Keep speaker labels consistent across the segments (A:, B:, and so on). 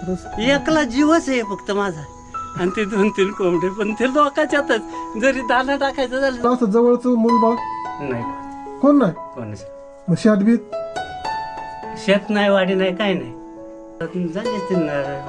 A: खरंच
B: एकला जीवच आहे फक्त माझा आणि ते 2-3 कोंबडे पण ते लोकांच्यातच जरी दाना टाकायचं झालं
A: असं जवळचं मूलबाळ
B: नाही
A: कोण नाही
B: कोणच
A: मग शेतबीत
B: शेत नाही वाडी नाही काय नाही झाली असतील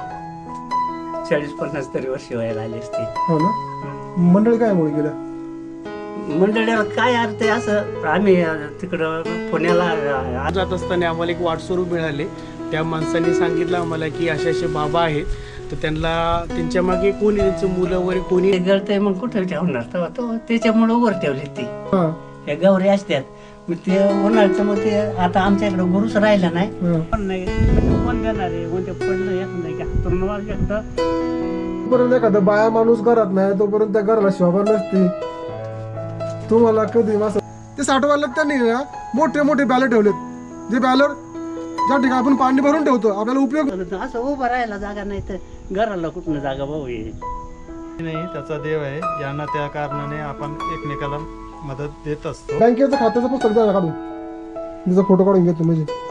B: 40-50 तरी वर्ष व्हायला आली असते
A: हो ना मंडळी काय मुळे गेल्या
B: मंडळीला काय अर्थ आहे असं आम्ही तिकडं पुण्याला
C: जात असताना आम्हाला एक वाटस्वरूप मिळाले. त्या माणसाने सांगितलं आम्हाला की असे असे बाबा आहेत, तर त्यांना त्यांच्या मागे कोणी त्यांचं मुलं वगैरे कोणी
B: गळतंय मग कुठं ठेवणार तेव्हा तो त्याच्यामुळं वर ठेवली ती
A: हा
B: हे गौरी असतात मग ते उन्हाळ्याचं मग ते आता आमच्या इकडं गुरुच राहिला नाही
A: हा.
B: पण नाही म्हणजे कोण देणार आहे कोणते पडलं येत नाही की हातून एकदा
A: तोपर्यंत एखादा बाया माणूस घरात नाही तोपर्यंत त्या घराला शोभा नसते. तुम्हाला कधी असं ते साठवायला त्यांनी ना मोठे मोठे बॅलर ठेवलेत जे बॅलर ज्या ठिकाणी आपण पाणी भरून ठेवतो आपल्याला उपयोग
B: असं उभं राहायला जागा नाही तर घराला कुठनं जागा भाऊ येईल
D: नाही त्याचा देव आहे. यांना त्या कारणाने आपण एकमेकाला मदत देत असतो.
A: बँकेचं खात्याचं पुस्तक द्या काढून त्याचा फोटो काढून घेतो म्हणजे